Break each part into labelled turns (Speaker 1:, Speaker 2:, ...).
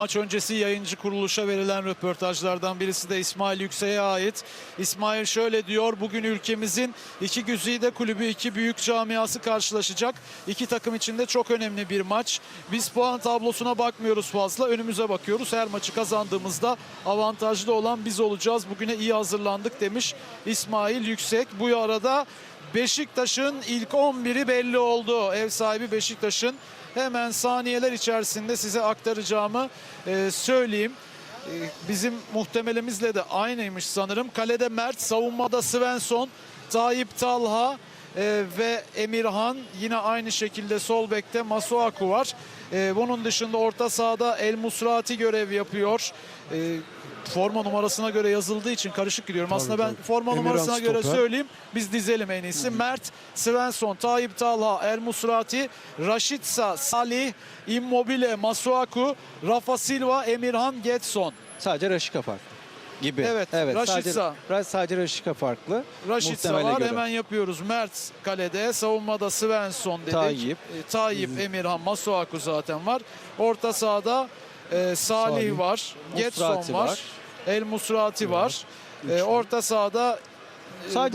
Speaker 1: Maç öncesi yayıncı kuruluşa verilen röportajlardan birisi de İsmail Yüksek'e ait. İsmail şöyle diyor: bugün ülkemizin iki güzide kulübü, iki büyük camiası karşılaşacak. İki takım için de çok önemli bir maç. Biz puan tablosuna bakmıyoruz fazla, önümüze bakıyoruz. Her maçı kazandığımızda avantajlı olan biz olacağız. Bugüne iyi hazırlandık demiş İsmail Yüksek. Bu arada Beşiktaş'ın ilk 11'i belli oldu. Ev sahibi Beşiktaş'ın. Hemen saniyeler içerisinde size aktaracağımı söyleyeyim. Bizim muhtemelimizle de aynıymış sanırım. Kalede Mert, savunmada Svensson, Tayyip Talha ve Emirhan. Yine aynı şekilde sol bekte Masuaku var. Bunun dışında orta sahada El Musrati görev yapıyor. Forma numarasına göre yazıldığı için karışık gidiyorum. Aslında ben forma numarasına göre söyleyeyim. Biz dizelim en iyisi. Mert, Svensson, Tayyip Talha, El Musrati, Rashica, Salih, Immobile, Masuaku, Rafa Silva, Emirhan, Getson.
Speaker 2: Sadece Rashica farklı gibi.
Speaker 1: Evet, Rashica.
Speaker 2: Sadece Rashica farklı.
Speaker 1: Rashica var. Göre. Hemen yapıyoruz. Mert kalede. Savunmada Svensson dedik. Tayyip, Emirhan, Masuaku zaten var. Orta sahada Salih var. Getson var. El Musrati var. Orta sahada
Speaker 2: sadece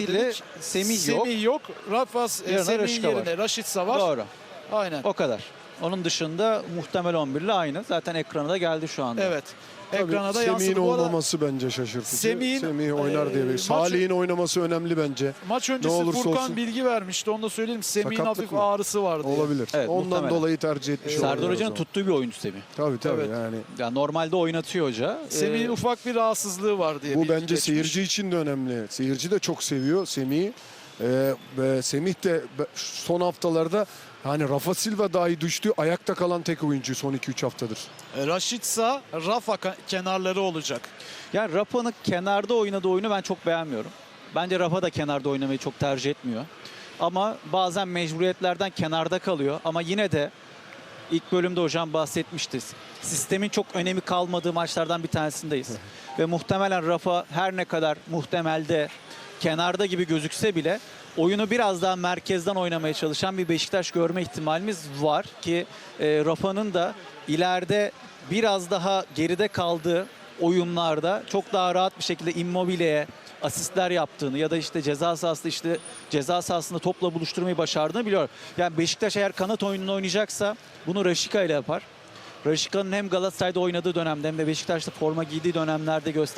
Speaker 2: Semih yok.
Speaker 1: Rafa Semih yerine Rashica var.
Speaker 2: Doğru.
Speaker 1: Aynen.
Speaker 2: O kadar. Onun dışında muhtemel 11 ile aynı. Zaten ekrana da geldi şu anda.
Speaker 1: Evet. Ekrana da yansıdı.
Speaker 3: Semih'in olmaması bence şaşırtıcı. Semih oynar diye. Salih'in oynaması önemli bence.
Speaker 1: Maç öncesi Furkan bilgi vermişti. Onu da söyleyeyim. Semih'in hafif ağrısı vardı.
Speaker 3: Olabilir.
Speaker 2: Evet,
Speaker 3: ondan
Speaker 2: muhtemelen
Speaker 3: dolayı tercih etmiş.
Speaker 2: Serdar Hoca'nın tuttuğu bir oyuncu Semih.
Speaker 3: Tabii
Speaker 1: evet.
Speaker 3: yani.
Speaker 2: Normalde oynatıyor hoca.
Speaker 1: Semih'in ufak bir rahatsızlığı var diye.
Speaker 3: Bu bence seyirci için de önemli. Seyirci de çok seviyor Semih'i. Semih de son haftalarda hani Rafa Silva dahi düştü. Ayakta kalan tek oyuncu son 2-3 haftadır.
Speaker 1: Rashica, Rafa kenarları olacak.
Speaker 2: Yani Rafa'nın kenarda oynadığı oyunu ben çok beğenmiyorum. Bence Rafa da kenarda oynamayı çok tercih etmiyor. Ama bazen mecburiyetlerden kenarda kalıyor. Ama yine de ilk bölümde hocam bahsetmişti. Sistemin çok önemi kalmadığı maçlardan bir tanesindeyiz. Ve muhtemelen Rafa her ne kadar muhtemelde kenarda gibi gözükse bile oyunu biraz daha merkezden oynamaya çalışan bir Beşiktaş görme ihtimalimiz var ki Rafa'nın da ileride biraz daha geride kaldığı oyunlarda çok daha rahat bir şekilde Immobile'ye asistler yaptığını ya da işte ceza sahasında topla buluşturmayı başardığını biliyor. Yani Beşiktaş eğer kanat oyununu oynayacaksa bunu Rashica ile yapar. Rashica'nın hem Galatasaray'da oynadığı dönemde hem de Beşiktaş'ta forma giydiği dönemlerde